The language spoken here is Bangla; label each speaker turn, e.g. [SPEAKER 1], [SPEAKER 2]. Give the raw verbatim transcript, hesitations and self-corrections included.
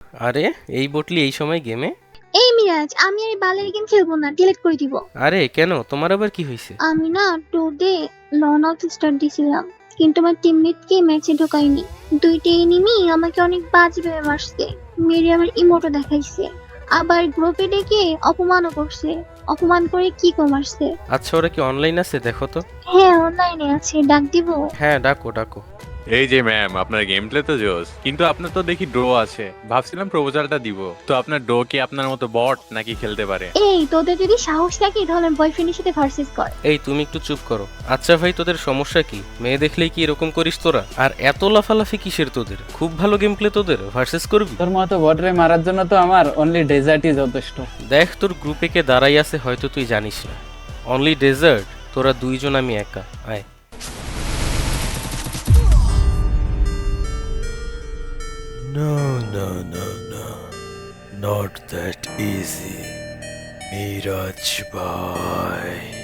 [SPEAKER 1] আরে এই বটলি এই সময় গেমে?
[SPEAKER 2] এই মিরাজ, আমি আর এই বালের গেম খেলবো না, ডিলিট করে দিব।
[SPEAKER 1] আরে কেন, তোমার আবার কি হয়েছে?
[SPEAKER 2] আমি না টু ডে লন আউট স্টার্ট দিছিলাম, কিন্তু আমার টিমমেটকে ম্যাচে ঢোকায়নি। দুইটা এনিমি আমাকে অনেক বাজে ভেবে মারছে, মেরে আমার ইমোটো দেখাইছে, আবার গ্রুপে ডেকে অপমানও করছে। অপমান করে কি মারছে।
[SPEAKER 1] আচ্ছা, ওরা কি অনলাইন আছে, দেখো তো।
[SPEAKER 2] হ্যাঁ, অনলাইনে আছে, ডাক দিব?
[SPEAKER 1] হ্যাঁ, ডাকো ডাকো।
[SPEAKER 3] এই যে ম্যাম, আপনার গেম প্লে তো জোস, কিন্তু আপনার তো দেখি ড্র আছে। ভাবছিলাম প্রপোজালটা দিব। তো আপনার ড্র কি আপনার মতো বট নাকি খেলতে পারে?
[SPEAKER 2] এই তোদের যদি সাহস থাকে তাহলে বয়ফ্রেন্ডের সাথে ভার্সেস কর।
[SPEAKER 1] এই তুমি একটু চুপ করো। আচ্ছা ভাই, তোদের সমস্যা কি? মেয়ে দেখলেই কি এরকম করিস তোরা? আর এত লাফালাফি কিসের তোদের? খুব ভালো গেম প্লে তোদের, ভার্সেস করবি?
[SPEAKER 4] তোর মতো বটরে মারার জন্য তো আমার অনলি ডেজার্টই যথেষ্ট।
[SPEAKER 1] দেখ, তোর গ্রুপে কে দাঁড়াই আছে হয়তো তুই জানিস না। Only desert? তোরা দুইজন, আমি একা। আয়।
[SPEAKER 5] No, no, no, no. Not that easy. Miraj Bhai.